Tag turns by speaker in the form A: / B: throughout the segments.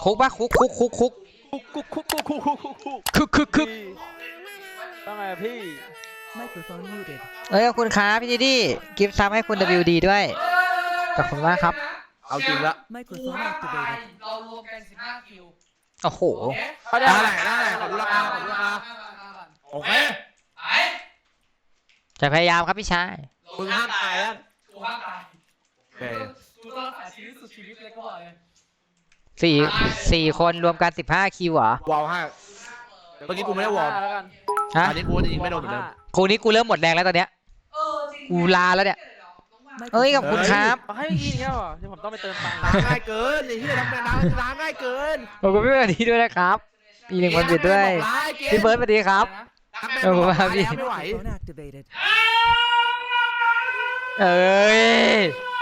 A: คุกปะคุก
B: คุกว่าไงพี่
C: Microphone muted.
A: เอ้ยขอบคุณครับพี่ดีกิฟต์ซับให้คุณ WD ด้วยขอบคุณมากครับ
D: เอาจริงละ
C: Microphone activated.
E: เรารวมกัน15คิว
A: โอ้โห
D: ได้ขอดูราคาโอเค
A: จะพยายามครับพี่ชาย
D: มึงห้ามตายแล้ว
E: กูห้ามตาย
D: โอเค
E: กูต้องรักษาชีวิตสุดชีวิตเลยก็บอกเลย
A: สี่คนรวมกัน15คิวเหรอ
D: วอลห้าเมื่อกี้กูไม่ได้วอล
B: แล้วกัน
A: ฮะ
D: อันนี้กูจะยิงไม่โดนเหมือนเดิม
A: ครูนี้กูเริ่มหมดแรงแล้วตอนเนี้ยกูลาแล้วเนี่ยเอ้ยขอบคุณครับ
B: เอาให้พี่อย่างเงี้ยเหรอเดี๋ยวผมต้องไปเติมตังค์
D: ล้างง่ายเกินไอ้ที่ทำงานล้างง่ายเกิน
A: ขอบคุณพี่วันนี้ด้วยนะครับอีหนึ่งวันหยุดด้วยพี่เบิร์ดสวัสดีครับ
D: ขอบคุณมากพี่ไม่ไหว
C: Microphone activated.
A: เอ้ย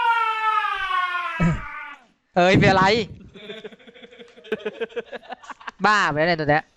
A: เป็นอะไรบ้าไปแล้วเนี่ยตัวเนี้ย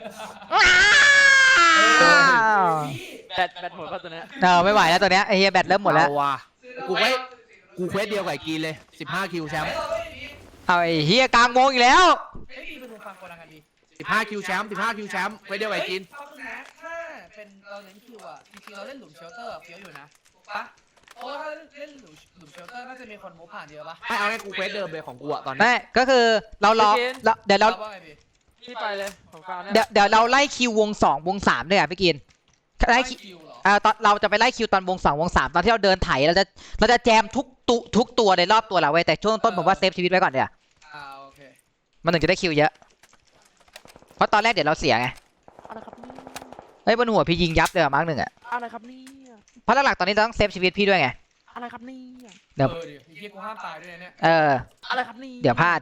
B: แบตหมดป่ะตัวเนี้ย
A: ไม่ไหวแล้วตัวเนี้ยไอเฮียแบตเริ่มหมดแล้ว
D: เอาว่ะกูเควสเดียวกับไอ้กีนเลย15คิวแชมป์
A: เอาไอเฮียกลางวงอีกแล้ว
E: เฮ้ยดีเป็นฟังคนละกันดี
D: 15คิวแชมป์15คิวแชมป์เควสเดียวกับไอ้กีน
E: ถ้าเป็นเราเล่นคิวอ่ะจริงๆเราเล่นหลุมเชลเตอร์เฟี้ยวอยู่นะถูกปะเพราะว่าถ้าเล่นหลุมเชลเตอร์น่าจะมีคนมูฟผ่านเยอะปะ
D: ไม่เอาไงกูเควสเดิมเลยของกูอะตอนนี้
A: ไม่ก็คือเรารอเดี๋ยวเรา
E: ว่าไงพี่
B: พี่ไปเลยผมฟังเนี่ย
A: เดี๋ยวเราไล่คิววง2วง3ด้วยอ่ะพี่กินไล่คิว
E: คิวเหรอ
A: ตอนเราจะไปไล่คิวตอนวง2วง3ตอนที่เราเดินไถเราจะแจมทุกตัวในรอบตัวเราไว้แต่ช่วงต้นผมว่าเซฟชีวิตไว้ก่อนเดี๋ยว
E: โอเค
A: มันถึงจะได้คิวเยอะเพราะตอนแรกเดี๋ยวเราเสียไง
B: อะไรครับนี่
A: เฮ้ยบนหัวพี่ยิงยับเลยอะมาร์กหนึ่งอ่ะ
B: อะไรครับนี่
A: เพราะหลักๆตอนนี้เราต้องเซฟชีวิตพี่ด้วยไง
B: อะไรครับนี่
A: เดี๋ยว
E: ดิไอ้เหี้ยกูห้ามตายด้วยเนี่ย
B: อะไรครับนี่
A: เดี๋ยวพลาด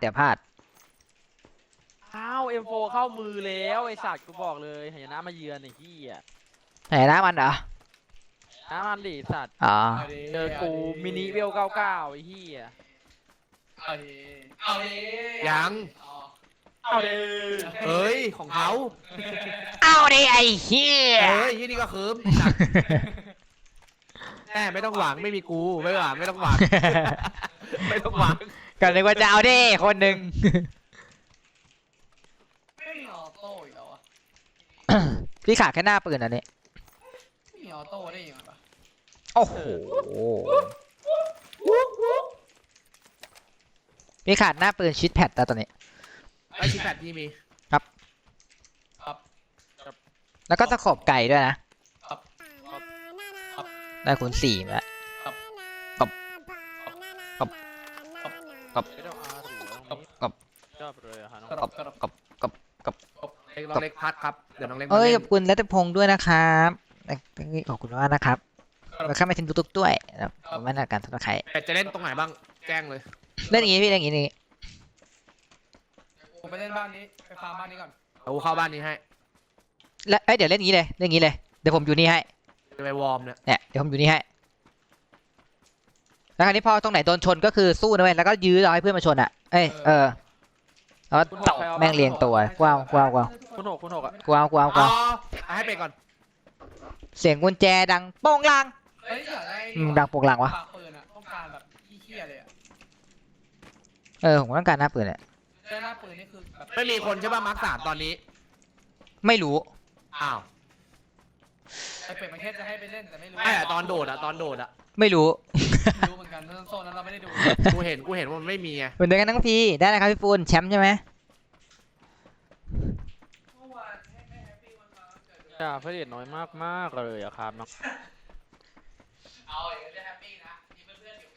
B: อ้าว M4 เข้ามือแล้วไอ้สัตว์กูบอกเลยหายนะมาเยือนไอ้ที่อ่ะ
A: ไหนนะมันเหรอ
B: น้ำมันดิสัตว์
A: อ๋อ
B: เจอกูมินิเวล99ไอ้ที่อ่ะ
E: เอาดิ
D: ยัง
B: เอาเด้
D: เอ้ยของเขา
A: เอาดิไอ้เหี้ย
D: เอ้ยที่นี่ก็เคิร์มแม่ไม่ต้องหวังไม่มีกูไม่หวังไม่ต้องหวังไม่ต้องหวัง
A: ก็นึกว่าจะเอาดิคนหนึ่ง
E: ไม่มีออโต้อีกแล้วอ่ะ
A: พี่ขาดแค่หน้าปืนอันนี้
E: ไม่มีออโต้ได้ยังไงปะ
A: โอ้โหพี่ขาดหน้าปืนชิดแพดแต่ตอนนี้
D: ไอชิแพดที่มี
A: แล้วก็ตะขบไก่ด้วยนะได้คูณ4มาแล้ว
B: ไม่ต้องอาร์หรือชอบเลยอะฮะน้อง
D: น้องเล็กพัดครับเดี๋ยวน้องเล็ก
A: เอ้ยขอบคุณรัตพงศ์ด้วยนะครับขอบคุณมากนะครับแล้วข้าไม่ทิ้งตุ๊กด้วยนะผมไม่น่าการทุกใคร
D: แต่จะเล่นตรงไหนบ้างแจ้งเลย
A: เล่นอย่างงี้พี่เล่นอย่างงี้
E: กูไปเล่นบ้านนี้ไปฟาร์มบ้านนี้ก่อน
D: เอาเข้าบ้านนี้ให้
A: แล้วเดี๋ยวเล่นอย่างงี้เลยเล่นอย่างงี้เลยเดี๋ยวผมอยู่นี่ให้
D: จะไปวอร์มเนี่ย
A: เนี่ยเดี๋ยวผมอยู่นี่ให้แล้วคราวนี้พอตรงไหนโดนชนก็คือสู้นะเว้ยแล้วก็ยื้อรอให้เพื่อนมาชนอ่ะแล้วก็ตบแม่งเรียงตัวกว้าว
B: คุณหกอ่ะ
D: อ๋อให้ไปก่อน
A: เสียงกุญแจดังโป้งลาง
E: เฮ้ยอยากได้
A: ดังโป้งลางวะ
E: ปากปืนอ่ะต้องการแบบเหี้ยเลยอ่ะ
A: ผมต้องการหน้าปืนเนี่ย
E: ได้หน้าปืนนี่คือแบบ
D: ไม่มีคนใช่ป่ะมาร์คสามตอนนี้
A: ไม่รู้
D: อ้าว
E: ไอเป็ดมันแค่จะให้ไปเล่นแต่ไม่รู้
D: ไม่อะตอนโดดอะ
A: ไม่รู้
E: ไม่รู้เหมือนกันโซนนั้นเราไม่ได้ดู
D: กูเห็นว่ามันไม่มีไง
A: เหมือนเดิมกันทั้งทีได้นะครับพี่ปูนแชมป์ใช่ไหม
B: จ่าพระเดชน้อยมากเลยอะครับน้อง
E: เอาอย่างนี้ได้แฮปปี้นะมีเพื่อนๆอยู่ไง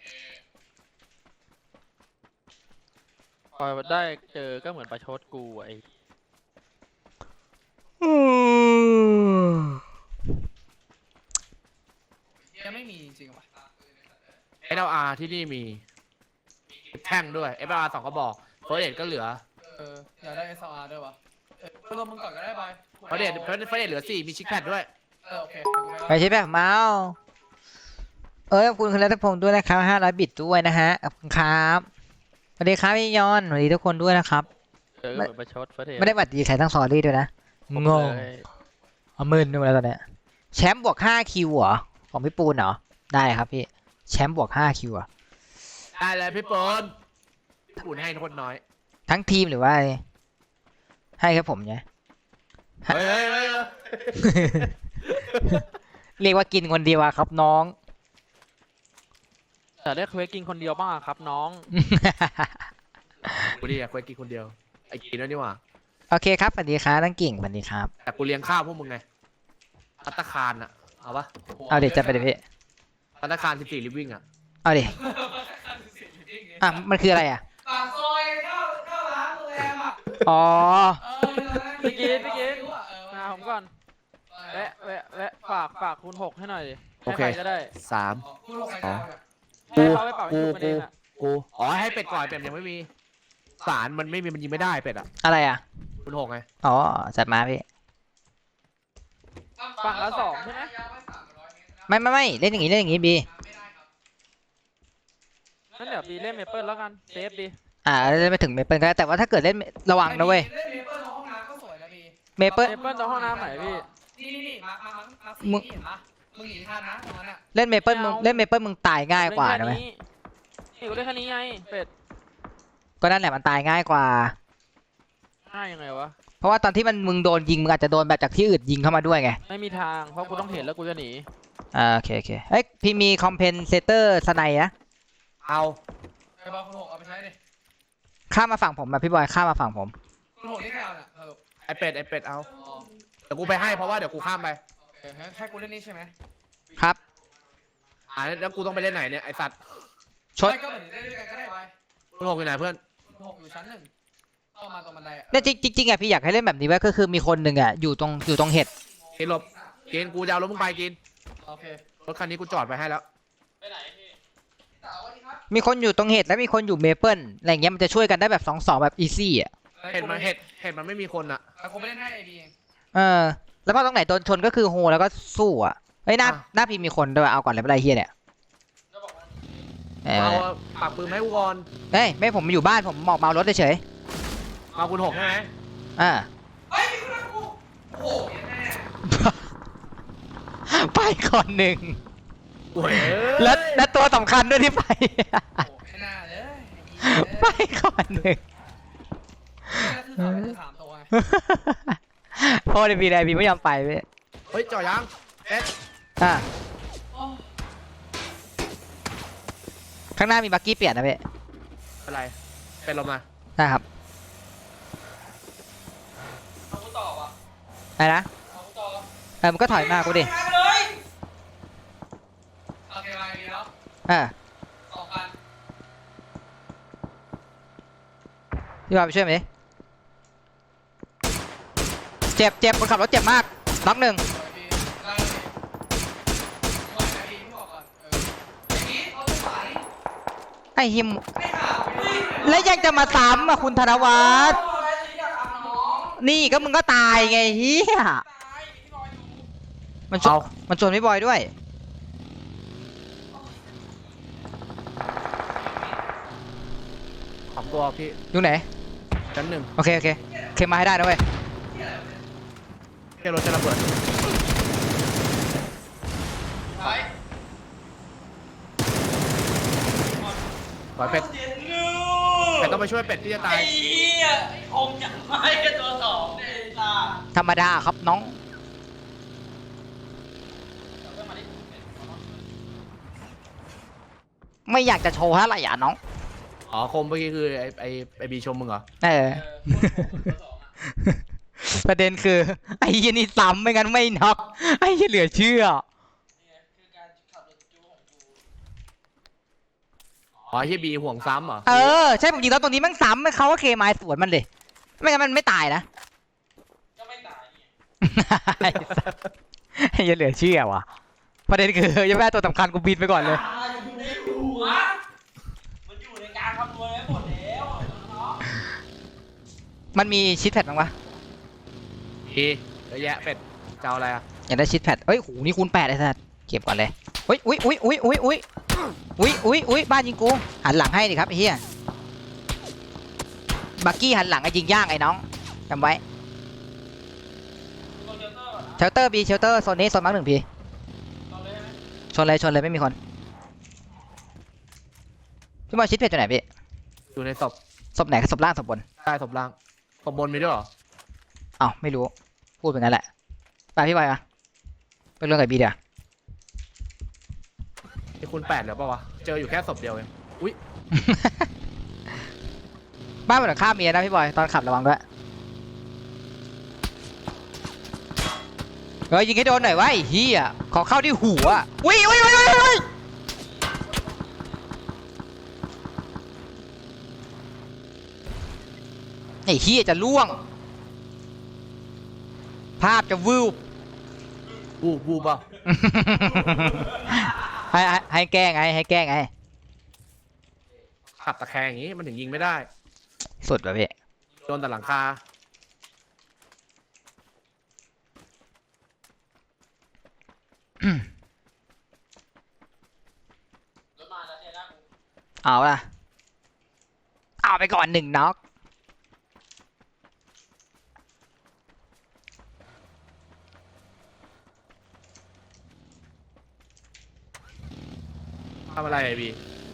B: พอได้เจอก็เหมือนประชดกูไอ้
E: ยังไม่มีจริงๆว่ะ
D: SLR ที่นี่มีแท่งด้วย SLR 2ก็บอกเฟิร์สเอ็ดก็เหลือ
E: อยากได้ SLR ด้วยวะไปรวมมึงก่อนก็ได้ไป
D: เฟิร์สเอ็ดเหลือ4มีชิคแพดด้วย
E: โอเค
A: ไปใช่แบบเมาส์ขอบคุณคุณรัตพงศ์ด้วยนะครับ500 บิตด้วยนะฮะขอบคุณครับสวัสดีครับพี่ยอนสวัสดีทุกคนด้วยนะครับ
B: เจอก็เหมือนประชดพระเดช
A: ไม่ได้บัตรดีใครทั้งซอรี่ด้วยนะงง
B: เลย
A: เอาหมื่นดูแล้วตอนเนี้ยแชมป์บวก5คิวเหรอของพี่ปูนเหรอได้ครับพี่แชมป์บวก5คิวอ่ะ
D: ได้เลยพี่เปิร์นอุ่นให้คนน้อย
A: ทั้งทีมหรือว่าอะไรให้ครับผมเนี่ย
D: เฮ้ย
A: เรียกว่ากินคนเดียวอะครับน้อง
B: แต่ได้เควสกินคนเดียวบ้างอะครับน้อง
D: กูดิอยากไปกินคนเดียวไอ้กินแล้วนี่หว่า
A: โอเคครับสวัสดีครับตั้งกิ่งสวัสดีครับ
D: แต่กูเลี้ยงข้าวพวกมึงไงภัตตาคารอะเอาปะ
A: เอาเดี๋ยวจะไปเดี๋ยวพี่
D: ภัตตาคาร14ลิฟวิ่งอะ
A: เอาดิอ่ะมันคืออะไรอ่ะ
E: ปากซอยเข้าร้านโรงแรมอ่ะ
A: อ๋อ
B: พี่กิน
E: เออ
B: มาผมก่อนแวะฝากคูณ 6ให้หน่อยดิ
D: โอ
B: ให้
D: เค
B: ใครก็ได้
D: 3
E: คุณลงไปได้อะ
B: ให้เขาไปเป่าให้ดูกันเองอะ
D: กูอ๋อให้เป็ดก่อนเป็ดยังไม่มีสารมันไม่มีมันยิงไม่ได้เป็ดอะ
A: อะไรอ่ะ
D: คุณหกไง
A: อ๋อจัดมาพี่
B: ฝั่งละ2ใช่ไหม
A: ไม่เล่นอย่างงี้เล่นอย่างงี้บี
B: งั้นเดี๋ยวบีเล่นเมเปิลแล้วกันเซฟดี
A: เล่นไปถึงเมเปิลก็ได้แต่ว่าถ้าเกิดเล่นระวังนะเว้ย
E: เล่นเมเปิลในห้องน้ำก็สวยนะพี่
A: เมเปิล
B: เมเปิลตรงห้องน้ำไหนพี่
E: นี่มาสี
A: มึง
E: นี่เห็นปะมึงหนีทันนะตรงนั้นอ่ะ
A: เล่นเมเปิลมึงเล่นเมเปิลมึงตายง่ายกว่านะ
B: เล่
A: เว้ย
B: นี่กูได้แค่นี้ไงเป็ด
A: ก็นั่นแหละมันตายง่ายกว่า
B: ง่ายยังไงวะ
A: เพราะว่าตอนที่มึงโดนยิงมึงอาจจะโดนแบบจากที่อื่นยิงเข้ามาด้วยไง
B: ไม่มีทางเพราะกูต้องเห็นแล้วกูจะหนี
A: โอเคเอ้ยพี่มีคอมเพนเซเตอร์สไนนะ
D: เอา
E: ไอ้บอลคุณหกเอาไปใช้ดิ
A: ข้ามมาฝั่งผมแบบพี่บอยข้ามมาฝั่งผม
E: คุณหกนี่ใครเอาเนี่ยเออ
D: ไอเป็ดเอา
E: อ๋อ
D: เดี๋ยวกูไปให้เพราะว่าเดี๋ยวกูข้ามไป
E: โอเคให้กูเล่นนี่ใช่ไหม
A: ครับ
D: แล้วกูต้องไปเล่นไหนเนี่ยไอสัตว์
A: ชด
E: ไม่ก็เหมือนเล่นด้วยกันก็ได้ไว้
D: คุณหกอยู่ไหนเพื่อน
E: คุณหกอยู่ชั้นหนึ่งเข้ามาตรงบันไดอ่ะ
A: เนี่ยจริงอ่ะพี่อยากให้เล่นแบบนี้ไว้ก็คือมีคนหนึ่งอ่ะอยู่ตรงเห็ด
D: กินหลบกินกูจะเอารถมึงไปกิน
E: โอเค
D: รถคันนี้กูจอดไปให้แล้ว
E: สวัสดีครับ
A: มีคนอยู่ตรงเห็ดและมีคนอยู่เมเปิลอะไรเงี้ยมันจะช่วยกันได้แบบ2-2แบบอีซี่อ่ะ
D: เห็นมันไม่มีคนอะ
E: แต่กูไม่เล่นให้ไอบีเอง
A: แล้วก็ตรงไหนโดนชนก็คือโฮแล้วก็สู้อ่ะเฮ้ยหน้าพี่มีคนด้วยเอาก่อนเลยไม่เป็นไรเฮียเนี่ย
D: เอาปากปืนมาให้กูก่อน
A: เฮ้ยไม่ผมอยู่บ้านผมหมอกเมารถเฉย
D: มาคุณหกใช่ไหม
A: ๆ
E: เฮ้ยมีคนรักกูโอ้โหแม่
A: ไปก่อนหนึ่ง
D: โอ้ย
A: และตัวสำคัญด้วยที่ไป
E: โอ้ไม่น่าเลย
A: ไปก่อนหนึ่ง
E: นี่คือถามตัวไง
A: เพราะในปีใดพี่ไม่ยอมไปเว้ย
D: เฮ้ยจอดยังเอ๊ะ
A: อ่ะ
E: โอ้
A: ข้างหน้ามีบักกี้เปลี่ยนนะเว้ย
D: อะไรเป็นลมมา
A: นะครับ
E: เอากูต่อวะ
A: อะไรนะ
E: เอากูต่อ
A: มันก็ถอยมากูดิ
E: เลยโอเคมาดีแล้ว 2,000
A: พี่บอยไปช่วยไหมดิเจ็บคนขับรถเจ็บมากน็อกหนึ่ง
E: สวยดีได้เลยสวยนะดีที่บอกก่อนไอ้นี้เอาไปไหน
A: ไอ้หิม
E: ไม่ข่าวไม่ได้
A: แล้วยังจะมาซ้ำอ่ะคุณธนวัฒน์
E: เอาอะไรสิอยากทำน้อง
A: นี่ก็มึงก็ตายไงเฮีย
E: ตายพี่บอยอยู่
A: มันชวนพี่บอยด้วย
D: ของตัวพี่
A: อยู่ไหน
D: ชั้นหนึ่ง
A: โอเคเคมาให้ได้นะเว้ย
D: แค่รถจะระเบิด
E: ไป
D: ปล่อยเป็ดเป็ดต้องไปช่วยเป็ดที่จะตาย
E: ไอ้เหี้ยไอ้คงยังไม่กันตัวสองเลยจ้า
A: ธรรมดาครับน้อง ไม่อยากจะโชว์อะไรอ่ะน้อง
D: อ๋อคมเมื่อกี้คือไอบีชมมึงเหรอ
A: ประเด็นคือ ไอ้เหี้ยนี่ซ้ำไม่งั้นไม่น็อกไอ้เหี้ยเหลือเชื่อ
D: อ๋อเฮียบีห่วงซ้ำเหรอ
A: ใช่ผมยิงแล้วตรงนี้แมันซ้ำเขาก็เคมายสวนมันเลยไม่งั้นมันไม่ตายนะ
E: ก็ไม่ตายนี่
A: ไอ้สัสไอ้เหี้ยเหลือเชื่อว่ะประเด็นคือยังไม่ได้ตัวสำคัญกูบินไปก่อนเลย
E: อยู่ในหัวมันอยู่ในการคำนวณไว้หมดแล้วน้อง
A: มันมีชิดแพดบ้างวะ
D: เยอะแยะเป็ดจะเอาอะไรอ่ะ
A: อยากได้ชิดแพดเฮ้ยโหนี่คูณ8ไอ้สัสเก็บก่อนเลยอุ้ยบ้านยิงกูหันหลังให้ดิครับไอ้เหี้ยบักกี้หันหลังไอ้ยิงย่างไอ้น้องจำไว้เชลเตอร์บีเชลเตอร์โซนนี้โซนมาร์ค1 พีชนเลยไม่มีคนพี่บอลชิดเพจอยู่ไหนพี่
D: อยู่ในศพ
A: ศพไหนศพล่างศพบน
D: ได้ศพล่างศพบนมีด้วยเหรอ
A: อ้าวไม่รู้พูดเป็นงั้นแหละไปพี่บอยอะไปเรื่องกับบีเดี๋ยว
D: ไอ้คุณ8เหรอเปล่าวะเจออยู่แค่ศพเดียวเองอุ้ย
A: บ้านบนหลังคาเมียนะพี่บอยตอนขับระวังด้วยเฮ้ยยิงให้โดนหน่อยวะไอ้เหี้ยขอเข้าที่หัวอุ้ยไอ้เหี้ยจะล่วง ภาพจะวืบ
D: บูเปล่า
A: ให้แก้ไงให้แก้ไง
D: ขับตะแคงอย่างงี้มันถึงยิงไม่ได้
A: สุดแบบพี่
D: โดนแต่หลังคา
A: เอาล่ะเอาไปก่อน1น็อก
D: ทำอะไรไอ้บี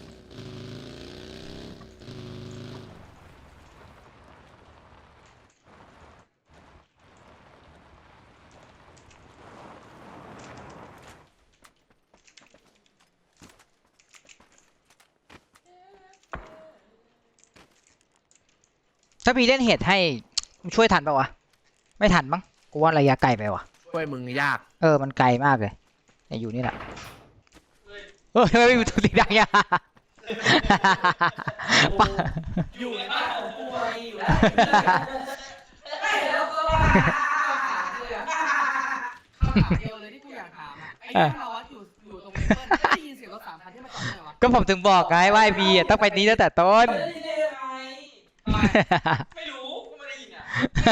A: ถ้าพี่เล่นเหตุให้ช่วยทันปะวะไม่ทันมั้งกูว่าระยะไกลไปวะ
D: ช่วยมึงยาก
A: มันไกลมากเลยเนี่ยอยู่นี่แหละทำไมไม่มีตัวสีดังเนี่ย
E: อยู่ในบ้านของกูไงอยู่แล้วแล้วก็คำถามเดียวเลยที่กูอยากถามอะไอ้ที่เราวัดอยู่ตรงนี้เปิ้ลได้ยินเสียงรถ3 คันที่มาจอดไหนวะ
A: ก็ผมถึงบอกไงว่าไอ้บีต้องไปนี้ตั้งแต่ต้น
B: ไม่รู้กูไม่ได้ยินอ่ะ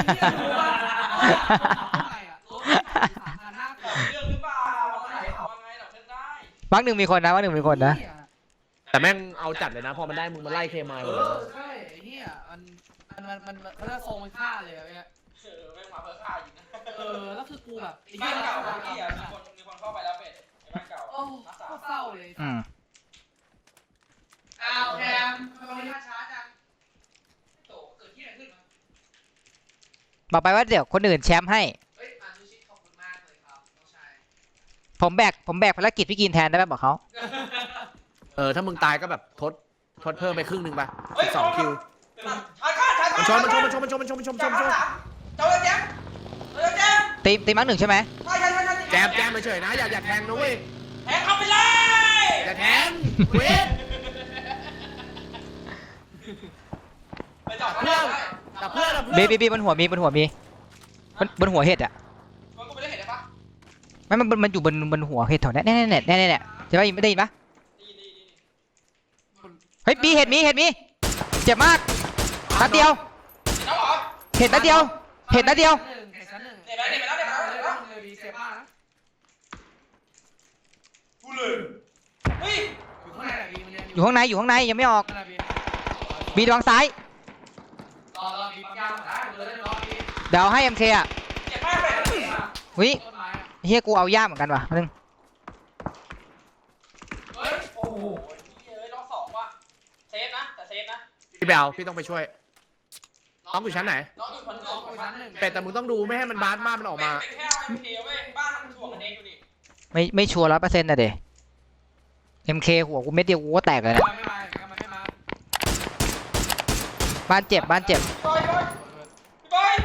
B: เรื่องหรือเปล่าอะไรเอาไงเราเล่นได้
A: บักหนึ่งมีคนนะบักหนึ่งมีคนนะ
D: แต่แม่งเอาจัดเลยนะพอมันได้มึงมาไล่เคมายหมดเลย
E: ใช่ไอ้เหี้ยมันเขาจะทรงมันฆ่าเลยอะเนี่ย
B: แม่งมาเพื่อฆ่าอยู่นะ
E: แล้วคือกูแบบไอ้
B: บ้า
E: เหี้
B: น
E: ย
B: เก่าบ้านที่มีคนเข้าไปแล้วเป็ดไอ้บ้านเก่า
E: โอ้เศร้าเลย
A: อืม
E: อ้าวแคมทำไมมาช้าจัง
B: โตเกิดที่ไหนขึ้นมา
A: บอกไปว่าเดี๋ยวคนอื่นแชมป์ให้
E: เฮ้ยมาซูชิขอบคุณมากเลยครับน้องชาย
A: ผมแบกภารกิจพี่กินแทนได้ไหมบอกเขา
D: ถ้ามึงตายก็แบบทดเพิ่มไปครึ่งหนึ่งไป2 คิว
B: ชา
D: มันชน
B: เจ้าแจ๊บ
A: ตีมักหนึ่งใช่ไหม
D: แจมไปเฉยนะอย่าแทงนะเว้ย
B: แทงเข้าไปเลย
D: อย่าแทงเว้ย
B: ไปจอด
D: เพื่อนแต่เพื่อน
A: บีบนหัวมีบนหัวเห็ดอ่ะ
B: มันก็ไม่ได้เห็นได้ปะ
A: ไม่มันอยู่บนหัวเห็ดแถวนี้เนี่ยใช่ปะไม่ได้ยินปะ
B: ดี
A: เฮ้ยบีเห็ดมีเจ็บมากนัดเดียว
B: น้องเหรอ
A: เห็ดนัดเดียว
E: เห็นชั้นหนึ่ง
B: เดี๋ยวไปแล้ว
E: เลยดีเสียบ้านะ
B: กูเลยเฮ้ย
E: อยู่ข้างในอะบีมันเรียน
A: อยู่ข้างในยังไม่ออก
E: ข้างในบี
A: บีระวังซ้าย
E: รอบีปั๊มยางได้เลยรอบี
A: เดี๋ยวให้MKอ่ะ
B: เจ็บมากเลย
A: วิ
E: ต้นไม้อะ
A: เฮียกูเอาย่ามเหมือนกันว่ะนึง
B: เฮ้ยโอ้โหเฮ้ยรอบ2ว่ะเซฟนะแต่เซฟนะ
D: พี่แบลพี่ต้องไปช่วยน้องอยู่ชั้นไหน
B: น้องอยู่ชั้น
E: รออยู่ชั้นหนึ่ง
D: เป็ดแต่มึงต้องดูไม่ให้มันบาสมากมันออกมา
B: เป็นแค่ไม่เพลเว้ยบ้านมันถ่วงกันเองอยู่นี่
A: ไม่ชัวร์100%นะเด MK หัวกูเม็ดเดียวกูก็แตกเลยนะ
E: มันไม่มา
A: บ้านเจ็บ
B: บอยพี่บอย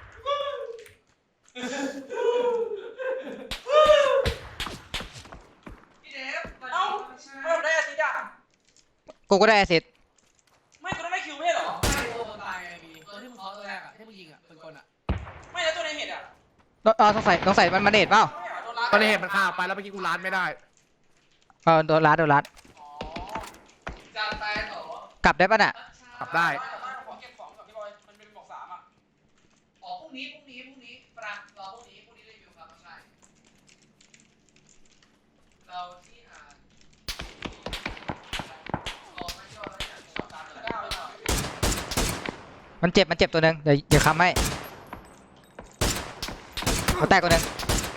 E: พี่เดฟ
B: เอ้าไม่ได้อาทิตย์อ่ะ
A: กูก็ได้แอสซิสต์
B: ไม่กูต้องได้คิวไม่ใช่เหรอ
E: ไม่ตัวคนตายไงบีตัวที่มึงเคาะตัวแรกอะที่มึงยิงอะเป็นคนอะ
B: ไม่แล้วตัวในเห็ดอ่ะ
A: ต้องใส่มันมาเดทเปล่า
B: ไม่เหรอโดนรัด
D: ตอนนี้เห็นมันฆ่าไปแล้วเมื่อกี้กูล้านไม่ได้
A: โดนรัด
B: อ๋อจานตายต่อก
A: ลับได้ป่ะน่ะ
D: กลับได้
B: ขอเก็บของกับพี่บอยมันเป็นบอก3อ่ะ
E: อ๋อพรุ่งนี้ปรารอพรุ่งนี้รีวิวครับใช่เราที่อ่านรอไม่ยอดแล้วเนี่ย
B: 9เลยเหรอ
A: มันเจ็บตัวหนึงเดี๋ยวค้ำให้เขาแตกตัวหนึง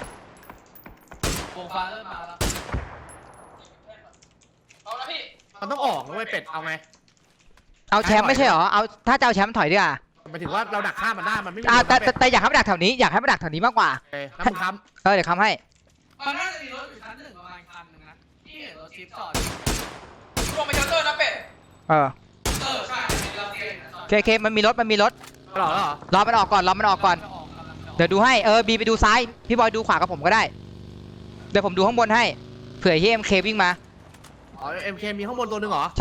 E: วงฟ้าเริ่มมาแล้ว
B: เอาละพี่
D: มันต้องออกนะเว้ยเป็ดเอาไง
A: เอาแชมป์ไม่ใช่เหรอเอาถ้าจะเอาแชมป์ถอยดีกว่า
D: หมายถึงว่าเราดักฆ่ามันได้มันไม่มี
A: แต่อยากให้มันดักแถวนี้อยากให้มันดักแถวนี้มากกว่า
D: โอเคแล้วมึงค้
A: เดี๋ยวคำให้
E: มันน่าจะมีรถอยู่ชั้นหนึ่งประมาณคันหนึ่งนะที่เห็นรถจิ๊บจอด
B: ลงไปเชลเตอร์นะเป็ด
A: เออ
E: ใช่เป็นเราเองนะจอด
A: เคมันมีรถ
D: ำหรอ
A: รอมันออกก่อน
E: กำลังจะออก
A: เดี๋ยวดูให้บีไปดูซ้ายพี่บอยดูขวากับผมก็ได้เดี๋ยวผมดูข้างบนให้เผื่อเฮียMKวิ่งมา
D: อ๋อ MK มีข้างบนตัวหนึงเหรอ
A: ใช่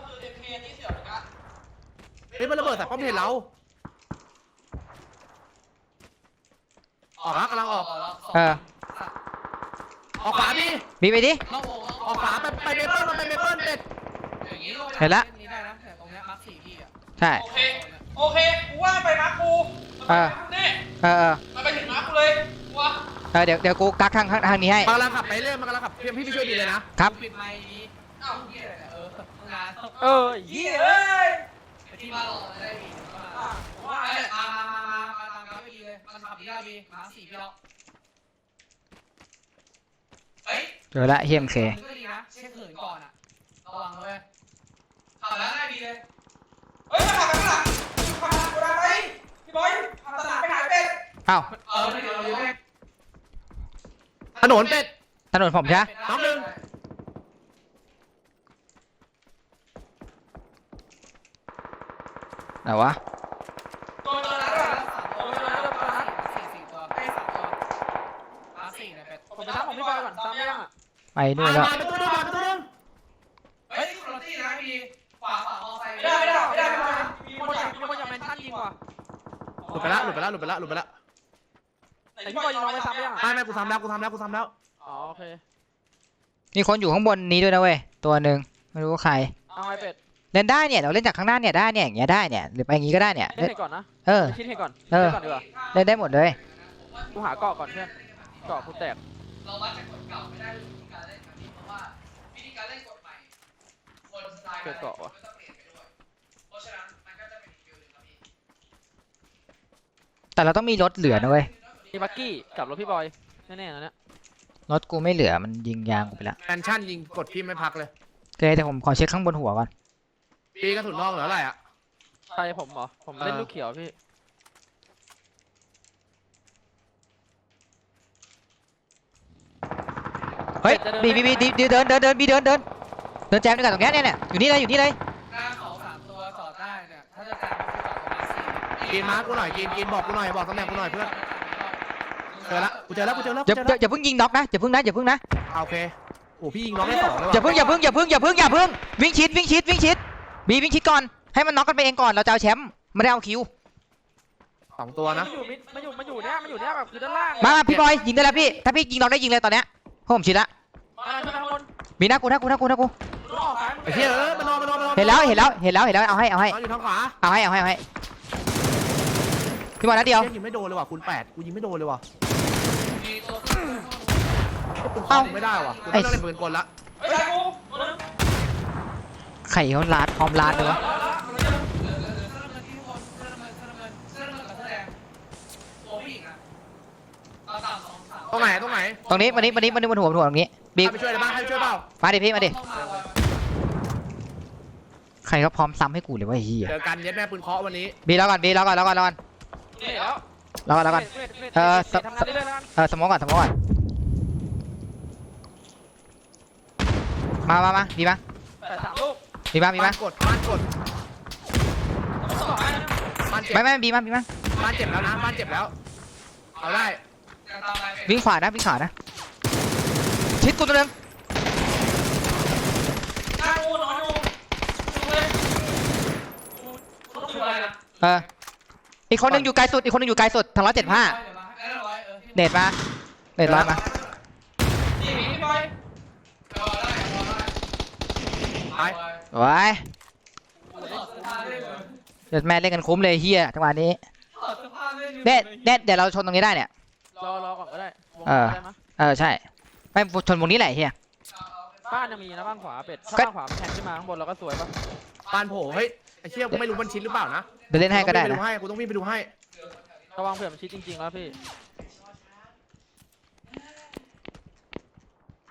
D: เฮ้ยมันระเบิดใส่ป้อมเพลเราออกแล้วกำลังออก
A: เออ
D: ออกขวาดิ
A: บีไปดิ
D: ออกขวาไปเมเปิลมันไปเมเปิลเป็ด
A: เห็นละ
E: นี่ได้นะแต่ตรงเนี้ยมาร์ค4พี่อ่ะ
A: ใช่
B: โอเคกูว่าไปมาร์คกูนี่
A: เออ
B: มันไปถึงมาร์คกูเลยกูว่า
A: เดี๋ยวกูกักทางนี้ให้
D: มันกำลังขับไปเรื่อยมันกำลังขับพี่ไปช่วยดีเลยนะครับ
E: ปิดไมค์นี้เอ้าเหี้ยอะไรเนี่ยงาน
B: เหี้ยเอ้ย
E: ไปที่บ้านรอได้ดีว่าเอ้ยมาตามกันไม่ดีเลยมันขับดีได้ดีมาร์ค4พี่แล้วเฮ้ย
A: เจอละเฮียMK
E: ก็ดีนะเช็คเหินก่อนอ่ะระวังเลยขับแล้วได้ดีเลย
B: เฮ้ยมาขับข้างหลังขับหลังกูได้ไหมพี่บอยขับตลาดไปหาเป็ด
A: เอ้า
E: ไม่เดี๋ยวเลย
D: ถนนเป็ด
A: ถนนผมใช่ไหม
D: น้องหนึ่ง
A: ไหนวะ
B: ตัวนั้นอะ
E: สี่ตัวไอ้3ตัวมาร์ค4เนี่ยเป็ด
B: ผมไปทำของพี่บอยก่อนซ้ำยังอ่ะ
A: ไปนู่นแล้ว
D: มาเป็นตัวนึงมาเป็นตัวนึง
E: เฮ้ยคุณรถที่นะพี่ขวามอไซค์
B: ไม่ได้มีคนอยากแมนชั่นยิงว่ะ
D: หลุดไปละ
B: แต่พี่บอยยิงน้องไปซ้ำยังอ่ะ
D: ไม่กูทำแล้ว
B: อ๋อโอเค
A: มีคนอยู่ข้างบนนี้ด้วยนะเว้ยตัวหนึ่งไม่รู้ว่าใคร
B: เอาไอเป็ด
A: เล่นได้เนี่ยเราเล่นจากข้างหน้าเนี่ยได้เนี่ยอย่างเงี้ยได้เนี่ยหรือไปอย่างงี้ก็ได้เนี่ย
B: เล่นให้ก่อนนะ
A: เออ
B: คิดให้ก่อน
A: เออ
B: ก่อนดีกว่า
A: เล่นได้หมดเลย
B: กูหาเกาะก่อนเพื่อนเกาะกูแตก
E: เราวัดจากกฎเก่าไม่ได้วิธีการเล่นแบบนี้เพราะว่าวิธีการเล่นกฎใหม่คนสไตล์การเล่นก็จะเปลี่ยนไปด้วยเพราะฉะนั้นมันก็จะเป็นอีกฟิลหนึ่งครับพี่
A: แต่เราต้องมีรถเหลือนะเว้ย
B: มีบักกี้กับรถพี่บอยแน่ๆนะเนี่ย
A: รถกูไม่เหลือมันยิงยางกูไปละ
D: แมนชั่นยิงกดพี่ไม่พักเลย
A: โอเคแต่ผมขอเช็คข้างบนหัวก่อน
D: ปีกระสุนนอกเหลืออะไรอ่ะ
B: ใครผมเหรอผมเล่นลูกเขียวพี่
A: เฮ้ยบีเดินบีเดินแจมด้วยกันตรงเนี้ยเนี่ยอยู่นี่เลย
E: หน้าเขา3ตัวจอดได้เนี่ยถ้าจะการก็คือจอดตรงมาร์ค4
D: กินมาร์กูหน่อยกินบอกกูหน่อยบอกตำแหน่งกูหน่อยเพื่อนเจอแล้ว
A: อย่าเพิ่งยิงน็อกนะอย่าเพิ่งนะ
D: โอเคโอ้พี่ยิงน้องได้2เลย
A: อย่าเพิ่งวิ่งชิดบีวิ่งชิดก่อนให้มันน็อกกันไปเองก่อนเราจะเอาแชมป์ไม่ได้เอาคิว
D: 2ตัวนะ
B: มันอยู่เนี่ยแบบคือด้านล่าง
A: มาพี่บอยยิงได้แล้วพี่ถ้าพี่ยิงน็อกได้ยิงเลยตอนเนี้ยเพราะผมชิดละ
B: มาขึ้นมาข้างบน
A: มีหน้ากู
B: ต้องออกซ้าย
D: ไอ้เหี้ยมันนอน
A: เห็นแล้วเอาให้
D: นอนอยู่ทางขวา
A: เอาให้พี่บอยนัดเดียว
D: ยิงไม่โดนเลยว่ะคูณ8กูยิงไม่โดนเลยว่ะ
E: มีตัว
D: กูเข้าไม่ได้ว่ะกูต้องเล่นปืนกลละ
B: เฮ้ยกูตัวนึง
A: ไข่เขาลาดพร้อมลาดเลยวะ
E: ตัวผู้หญิงอ่ะเอา3 2 3
D: ตรงไหน
A: ตรงนี้วันนี้บนหัวตรงนี้บี
D: ให้ไปช่วยได้บ้างให้ไปช่วยเปล่า
A: มาดิพี่มาดิใครเขาพร้อมซ้ำให้กูเลยว่าเฮีย
D: เจอกันเย็ดแม่ปืนเคาะวันนี้
A: บีแล้วก่อน
B: นี่แล้ว
A: ทำงานเรื่อยๆแล้วกันสมองก่อนมาบีมา
B: แต่3 ลูก
A: บีมา
D: บ้านกดบ้านเจ็บ
A: ไม่บีมา
D: บ้านเจ็บแล้วนะบ้านเจ็บแล้วเอาได้
A: วิ่งขวานะชิดกูตัวนึง
B: กูนอนอยู่เลยกูต้องช่วยนะ
A: อีกคนนึงอยู่ไกลสุดทาง175เน็ตมาร้อยมา
B: นี่พี่บอย
D: ไป
A: ไว้เดี๋ยวแม่เล่นกันคุ้มเลยเฮียจังหวะนี้เดี๋ยวเราชนตรงนี้ได้เนี่ย
B: รอก่อนก็ได้วง
A: เออ
B: ได้ไหม
A: ใช่ไม่ชนวงนี้แหละเฮีย
B: บ้านจะมีนะบ้านขวาเป็ดถ้า
A: ก็
B: บ้านขวามันแทงขึ้นมาข้างบนเราก็สวยป่ะ
D: บ้านโผล่เฮ้ยไอ้เชี่ยกูไม่รู้มันชิดหรือเปล่านะ
A: เดี๋ยวเล่นให้ก็ได้
D: กูต้องวิ่งไปดูให้
B: ระวังเผื่อมันชิดจริงๆแล้วพี่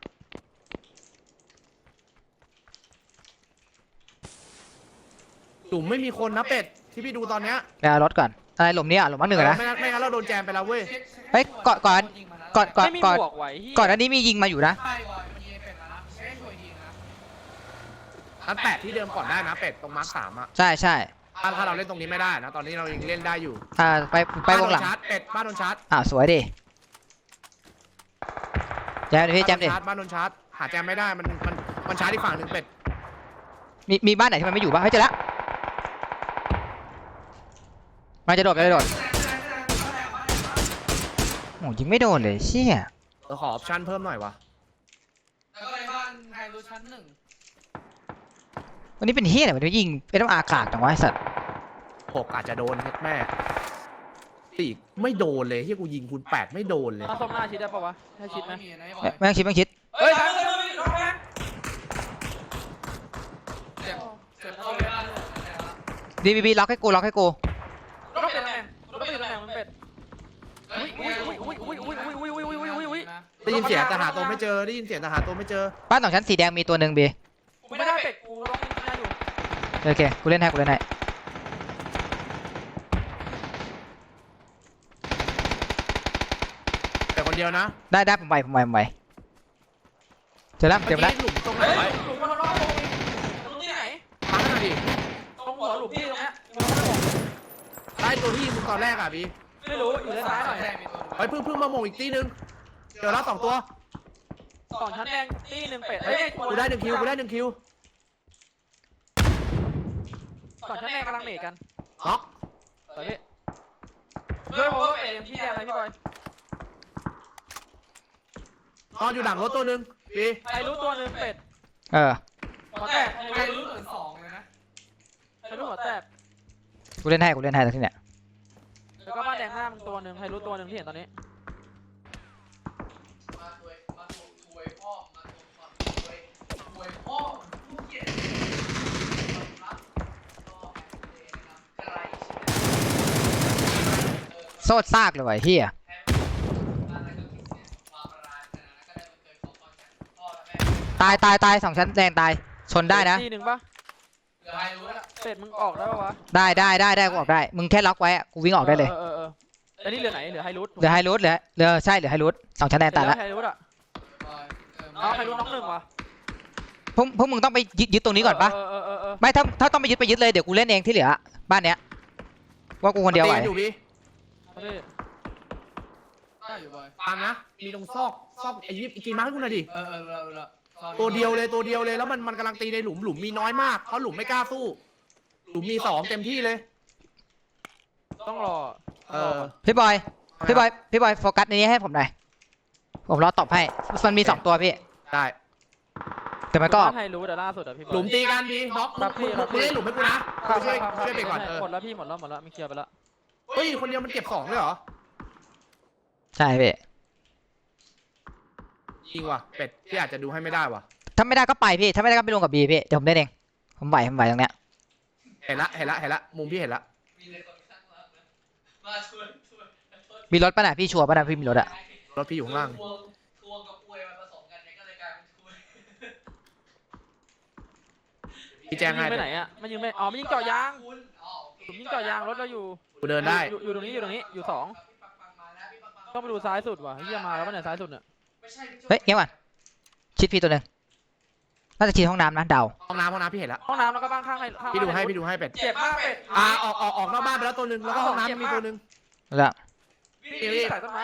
D: ดูลุมไม่มีคนนะเป็ดที่พี่ดูตอนเนี้ย
A: ไปเอารถก่อนอะไรหลุมเนี่ยหลุมมักหนึ่งอะนะ
D: ไม่งั้นเราโดนแจมไปแล้วเว้ย
A: เฮ้ยก่อน
B: ไม่มีบวกไหวเหี้ย
A: ก่อนอันนี้มียิงมาอยู่นะ
E: ใช่บอยมันยิงเป็ดแล้วนะไม่ได้ช่วยยิงนะ
D: อันแปดที่เดิมก่อนได้นะเป็ดตรงมาร์คสามอะ
A: ใช่ใช่
D: ถ้าเราเล่นตรงนี้ไม่ได้นะตอนนี้เรายังเล่นได้อยู่
A: ไปวงหลัง
D: บ้านโดนชาร์จเป็ดบ้านโดนชาร์จ
A: สวยดิแจมดิพี่แจมดิ
D: บ้านโดนชาร์จหาแจมไม่ได้มันชาร์จอีกฝั่งหนึ่งเป็ด
A: มีบ้านไหนที่มันไม่อยู่บ้างเฮ้ยเจอแล้วมันจะโดดโอ้ยิงไม่โดนเลยเชี่ย
D: ขอออปชั่นเพิ่มหน่อยวะ
E: แล้วก็ในบ้านไฮรูชั้นหนึ่ง
A: วันนี้เป็นเฮียอะไรวันนี้ยิงเป็นต้องอากาศจังวะไอ้สัตว์
D: 6อาจจะโดนแม่ตีไม่โดนเลยที่กูยิงคูณ8ไม่โดนเลย
B: เอาส้มหน้าชิดได้ปะวะให้ชิดไหม
E: มีนะบอ
A: ไม่
E: ย
A: ต้องคิดไม่ต้องคิด
B: เฮ้ย
E: เจ็บเข้าไปบ้าน
A: บีล็อกให้กู
B: รถเป็นตำแหน่งมันเป็ดอุ้ย
D: ได้ยินเสียงแต่หาตัวไม่เจอได้ยินเสียงแต่หาตัวไม่เจอ
A: บ้านสองชั้นสีแดงมีตัวหนึ่งบี
B: กูไม่ได้เป็ดกูร้องไม่ได้อยู่
A: โอเคกูเล่นให้
D: แต่คนเดียวนะ
A: ได้ผมไปเจอแล้วเจอแล้ว
D: หลุมตรงไหน
B: เฮ้ยหลุมมันร้องตรงนี้ไหน
D: มาหน่อยดิ
B: ตรงหัวหลุมพี่ตรงเนี้ย
D: ได้ตัวที่ยิงมึงตอนแรกอ่ะพี่
B: ไม่รู้อยู่ด้านซ้ายหน่อย
D: เฮ้ยเพิ่งมาโมงอีกตีนึงเจอแล้ว2ตัว
B: สองชั้นแดงตีหนึ่งเป็ด
D: เฮ้ยกูได้1คิว
B: สองชั้นแดงกำลังเมทกัน
D: น็อก
B: ไปพี่ช่วยผมเป็ดพี่แดงอะไรพี่บอย
D: นอนอยู่หลังรถตัวนึงพี่
B: ใครรู้ตัวหนึ่งเป็ด
A: เออ
B: หัวแตก
E: ไฮรูเหมือน2เลยนะ
B: ใครรู้หัวแตก
A: กูเล่นให้ตรงที่เนี่ย
B: แล้วก็บ้านแดงหน้ามึงตัวหนึ่งใครรู้ตัวหนึ่งที่เห็นตอนนี้
E: มาถวยพ่อมาถวยพ่อผู้เกียรติรับก็ไกล
A: โซดซากเลยว่ะเฮีย ตายสองชั้นแดงตายชนได้นะ
B: ตีหนึ่งปะเป็ดมึงออกได้ปะวะ
A: ได้กูออกได้มึงแค่ล็อกไว้อะกูวิ่งออกได้เลย
B: อันนี้เหลือไหนเหลือไฮรูท
A: เหลือไฮรูทเหลือใช่เหลือไฮรูทสองชั้นแดงตายแล้ว
B: ไฮรูทอ่ะเอาไฮรูทน้องหนึ่งวะ
A: พวกมึงต้องไปยึดตรงนี้ก่อนปะไม่ถ้าต้องไปยึดเลยเดี๋ยวกูเล่นเองที่เหลือบ้านเนี้ยว่ากูคนเดียวไหว
D: อยู่พี่
E: ได้อยู่บอย
D: ตามนะมีตรงซอกไอ้ยิบอีกกี่มาร์คให้กูหน่อยดิ
E: เรา
D: ตัวเดียวเลยแล้วมันกำลังตีในหลุมมีน้อยมากเพราะหลุมไม่กล้าสู้หลุมมี2เต็มที่เลย
B: ต้องรอ
A: พี่บอยโฟกัสในนี้ให้ผมหน่อยผมรอตอบให้มันมี2ตัวพี่
D: ได้
A: แต่มันก็
B: ไฮรูทแต่ล่าสุดอะพี่
D: หลุมตีกันดีน็อกมึงได้หลุมให้กูนะช่วยไปก่อน
B: หมดแล้วพี่หมดแล้วไม่เคลียร์ไปแล้ว
D: เฮ้ยคนเดียวมันเก็บ2เลยเหรอ
A: ใช่พี่
D: จริงว่ะเป็ดที่อาจจะดูให้ไม่ได้ว่ะ
A: ถ้าไม่ได้ก็ไปพี่ถ้าไม่ได้ก็ไปลงกับบีพี่เดี๋ยวผมเล่นเองผมไหวตรงเนี้ย
D: เห็นละมุมพี่เห็นละ
A: มีรถป่ะน่ะพี่ชัวร์ป่ะน่ะพี่มีรถอะ
D: รถพี่อยู่ข้างล่าง
E: ทวงกับอวยมาผสมกันเนี่ยก็เลยกลายเป็นคุย
D: พี่แจ้งให้
B: ไปไหนอะมันยิงไม่ไม่ยิงเจาะยาง
E: คุณอ๋อโอเค
B: ผมยิงเจาะยางรถเราอยู่
D: กูเดินได้
B: อยู่ตรงนี้อยู่สองต้องไปดูซ้ายสุดว่ะเฮียมาแล้วมันไหนซ้ายสุดเนี่ย
A: เฮ้ยเงี้ยว่ะชิดพี่ตัวหนึ่งน่าจะชิดห้องน้ำนะเดา
D: ห้องน้ำพี่เห็นละ
B: ห้องน้ำแล้วก็บ้านข้างให้
D: พี่ดูให้เป็ด
B: เจ็บมากเป็ด
D: ออกนอกบ้านไปแล้วตัวนึงแล้วก็ห้องน้ำมีตัวนึง
A: แล้ว
B: พี่ใส่ต้นไม้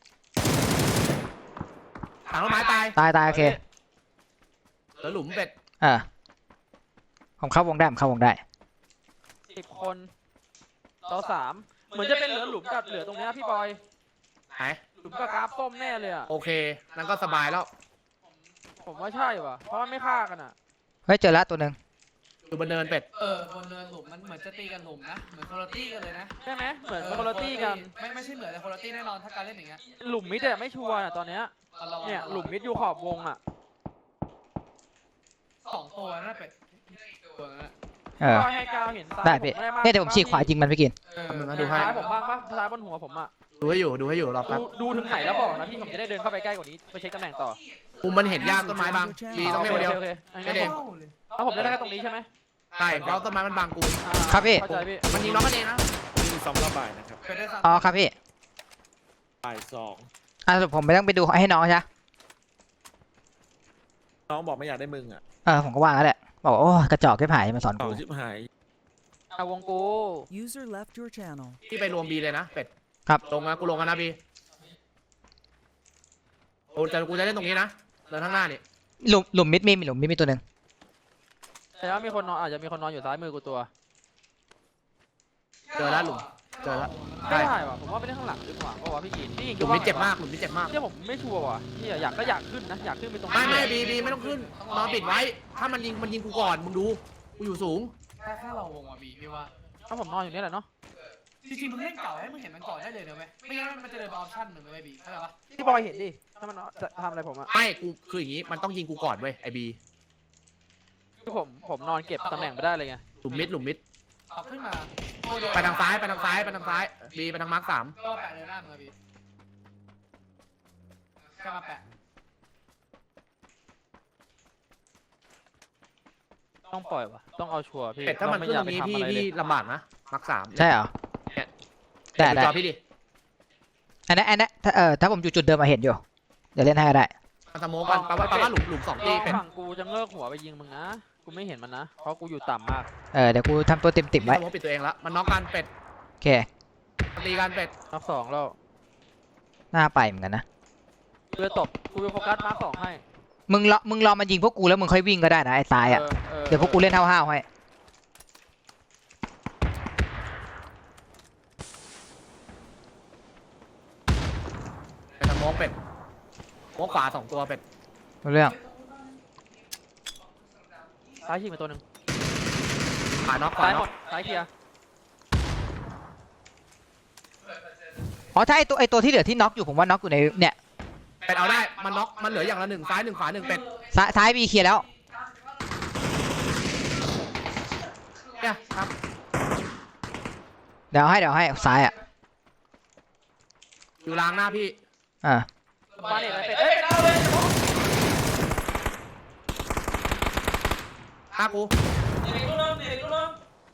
D: ถังต้นไม้ตาย
A: ตายโอเค
D: เหลือหลุมเป็ด
A: ผมเข้าวงได้
B: 10 คนต่อ 3เหมือนจะเป็นเหลือหลุมกับเหลือตรงนี้พี่บอย
D: ไหน
B: หลุมกับกราฟส้มแน่เลยอะ
D: โอเคนั่นก็สบายแล้ว
B: ผมว่าใช่ว่ะเพราะมันไม่ฆ่ากันอะ
A: เฮ้ยเจอแล้วตัวหนึ่ง
D: อยู่บนเนินเป็ด
E: บนเนินหลุมมันเหมือนจะตีกันหลุมนะเหมือนโคโรตี้กันเลยนะ
B: ใช่ไหมเหมือนคนละตี้กัน
E: ไม่ใช่เหมือนแต่โคโรตี้แน่นอนถ้าการเล่นอย่างเงี้ย
B: หลุมมิดอะไม่ชัวร์อะตอนเนี้ยเนี่ยหลุมมิดอยู่ขอบวงอะ
E: 2 ตัวนั่นเป็ดตัวนั้น
B: ก็ให้กาวเห็นซ้าย
A: ได้พี่เนี่ยเดี๋ยวผมฉีกขวายิงมันไปกิน
D: ดูให้
B: ซ้ายผมบ้างปะซ้ายบนหัวผมอะ
D: ดูให้อยู่รอแป๊บ
B: ดูถึงไหนแล้วบอกนะพี่ผมจะได้เดินเข้าไปใกล้กว่านี้ไปเช็คตำแหน่งต่อ
D: มุมมันเห็นยากต้นไม้บางดีต้องเล่นคนเดียว
B: โอเค
D: ไม่เด้ง
B: เอาผมได้แค่ตรงนี้ใช่ไหม
D: ใช่เพราะต้นไม้มันบังกู
A: ครับพี่
B: เข้าใจพี่
D: มันยิงน้องกันเองนะ
F: มี2รอบบ่ายนะครับ
A: อ๋อครับพี่
F: บ่าย2
A: สรุปผมไม่ต้องไปดูให้น้องใช่ไหม
F: น้องบอกไม่อยากได้มึงอ่ะ
A: ผมก็ว่าแล้วแหละบอกว่าโอ้กระจอกแค่ผายมาสอน
F: ต่อ
A: กู
F: ชิบหาย
B: เอาวงกู
C: User left your channel.
D: พี่ไปรวมบีเลยนะเป็ด
A: ครับ
D: ลงนะกูลงกันนะบีกูจะเล่นตรงนี้นะเดินข้างหน้านี่
A: หลุมมิดมีหลุมมิดมีตัวหนึ่ง
B: แต่ว่ามีคนนอนอาจจะมีคนนอนอยู่ซ้ายมือกูตัว
D: เจอแล้วหลุมเจอแล้ว
B: ไม่
D: ใช่
B: ได้ว่ะผมว่าไปเล่นข้างหลังดีกว่าเพราะว่าพี่กิน
D: หลุมนี้เจ็บมากหลุมนี้เจ็บมาก
B: เนี่ยผมไม่ชัวร์ว่ะที่อยากขึ้นนะอยากขึ้นไปตรง
D: ไม่บีไม่ต้องขึ้นนอนปิดไว้ ถ้ามันยิงกูก่อนมึงดูกูอยู่สูง
G: ถ้าเราวงอ่ะบีพี่ว่า
B: ถ้าผมนอนอยู่เนี่ยแหละเนาะ
G: จริงๆมึงเล่นเก่าให้มึงเห็นมันก่อนได้เลยนะเว้ยไม่งั้นมันจะเดินไปออปชั่นหนึ่งเลยบีเข้าใจปะ
B: พี่บอยเห็นดิถ้ามันจะทำอะไรผมอะ
D: ไม่กูคืออย่างงี้มันต้องยิงกูก่อนเว้ยไอบี
B: คือผมนอนเก็บตำแหน่งไม่ได้เลยไง
D: หลุมมิด
G: ขับขึ้นมา
D: ไปทางซ้ายบีไปทางมาร์ค 3
G: ก็แปะเลยหน้ามึงอะบีก็มาแปะ
B: ต้องปล่อยว่ะต้องเอาชัวร์พี่
D: เป็ดถ้ามันขึ้นตรงนี้พี่ลำบากนะมาร์ค 3
A: ใช่เหรอ ได้
D: จอพี่ดิ
A: อันนั้นถ้าผมอยู่จุดเดิมมาเห็นอยู่เดี๋ยวเล่นให้ก็ได้
D: มันสโมกันแปลว่าหลุม2ตีเป็ด
B: ฝั่งกูจะเงือกหัวไปยิงมึงนะกูไม่เห็นมันนะเพราะกูอยู่ต่ำมาก
A: เดี๋ยวกูทำตัวติ่มๆไว้
D: สโมปิดตัวเองแล้วมันน็อกกันเป็ด
A: โอเค
D: ตีกันเป็ด
B: นับสองแล้ว
A: หน้าไปเหมือนกันนะ
B: กูจะตบกูจะโฟกัสมาร์คสองให้
A: มึงรอมายิงพวกกูแล้วมึงค่อยวิ่งก็ได้นะไอ้ตายอ่ะเดี๋ยวพวกกูเล่นห้าวๆให้
D: เป็นสโมกเป็ดสโมกขวา2ตัวเป็ด
A: รู้เรื่อง
B: ซ้ายยิงไปตัวหนึ่ง
D: ขวาน็อก
B: ซ้ายหมดซ้ายเคลียร์
A: อ๋อถ้าไอตัวที่เหลือที่น็อกอยู่ผมว่าน็อกอยู่ในเนี่ย
D: เป็ดเอาได้มันน็อกมันเหลืออย่างละ1ซ้าย1ขวา1เป็ด
A: ซ้ายบีเคลียร์แล้ว
D: เนี่ยครับ
A: เดี๋ยวให้ซ้ายอ่ะ
D: อยู่ล้างหน้าพี่
B: มาเนี่ยเป็ดเอ้ยเป็ดเอาเลย
D: ฆ่ากู
B: เด็กลูกน้องเด็กลูกน้อง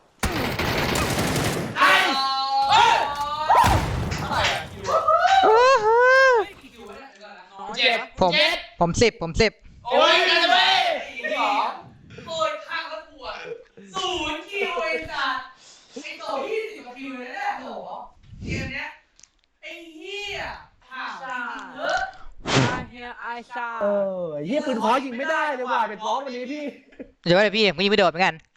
E: เจ็บ
A: ผม10
E: โอ้ยกันเลยสองโกยข้างแล้วปวด0 คิวไอ้สัสไอ้โต20 กว่าคิวเลยเนี่ยโหเกมเนี้ยไอ้เหี้ยถามจริงเถอะ
B: เฮียไอชา
D: เยี่ยปืนขอยิงไม่ได้เลยว่ะเป็ดร้องวันนี้พี่
A: เดี๋ยวพี่ผมก็ยิงไม่โดดเหมือนกัน